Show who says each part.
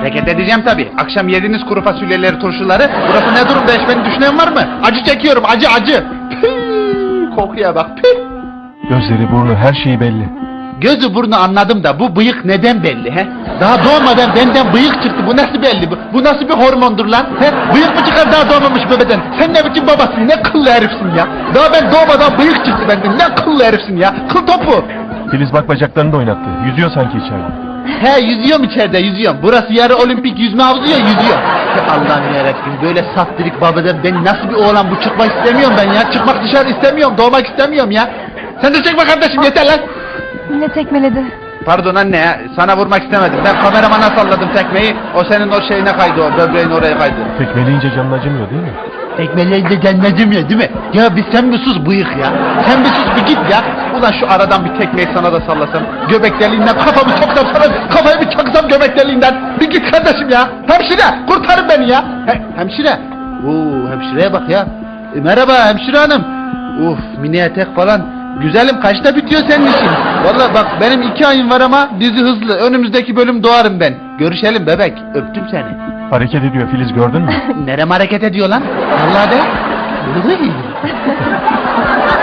Speaker 1: Hareket edeceğim tabii. Akşam yediğiniz kuru fasulyeleri, turşuları. Burası ne durumda hiç beni düşünen var mı? Acı çekiyorum, acı. Püh, kokuya bak, püh.
Speaker 2: Gözleri, burnu, her şeyi belli.
Speaker 1: Gözü burnu anladım da bu bıyık neden belli he? Daha doğmadan benden bıyık çıktı. Bu nasıl belli bu? Bu nasıl bir hormondur lan? He? Bıyık mı çıkar daha doğmamış bebeden? Sen ne biçim babasın? Ne kıllı herifsin ya? Daha ben doğmadan bıyık çıktı benden. Ne kıllı herifsin ya? Kıl topu.
Speaker 2: Filiz bak bacaklarını da oynattı. Yüzüyor sanki içeride.
Speaker 1: He yüzüyorum içeride yüzüyorum. Burası yarı olimpik yüzme havuzu ya yüzüyor. Allah'ım yarabbim böyle saftirik babadan ben nasıl bir oğlan bu çıkmak istemiyorum ben ya. Çıkmak dışarı istemiyorum doğmak istemiyorum ya. Sen de çekme kardeşim yeter lan.
Speaker 3: Yine tekmeledi.
Speaker 1: Pardon anne ya sana vurmak istemedim. Ben kameramana salladım tekmeyi. O senin o şeyine kaydı o böbreğin oraya kaydı.
Speaker 2: Tekmeleyince canın acımıyor değil mi?
Speaker 1: Tekmeleyince cennecim ya değil mi? Ya bir sen bir sus bıyık ya. Sen bir sus bir git ya. Ulan şu aradan bir tekmeyi sana da sallasam. Göbek deliğinden kafamı soksam sana kafayı bir çaksam göbek deliğinden. Bir git kardeşim ya. Hemşire kurtarın beni ya. Hemşire. Oo hemşireye bak ya. Merhaba hemşire hanım. Uf mini etek falan. Güzelim kaçta bitiyor senin işin? Vallahi bak benim 2 ayım var ama dizi hızlı. Önümüzdeki bölüm doğarım ben. Görüşelim bebek. Öptüm seni.
Speaker 2: Hareket ediyor Filiz, gördün mü?
Speaker 1: Nerem hareket ediyor lan? Vallahi de.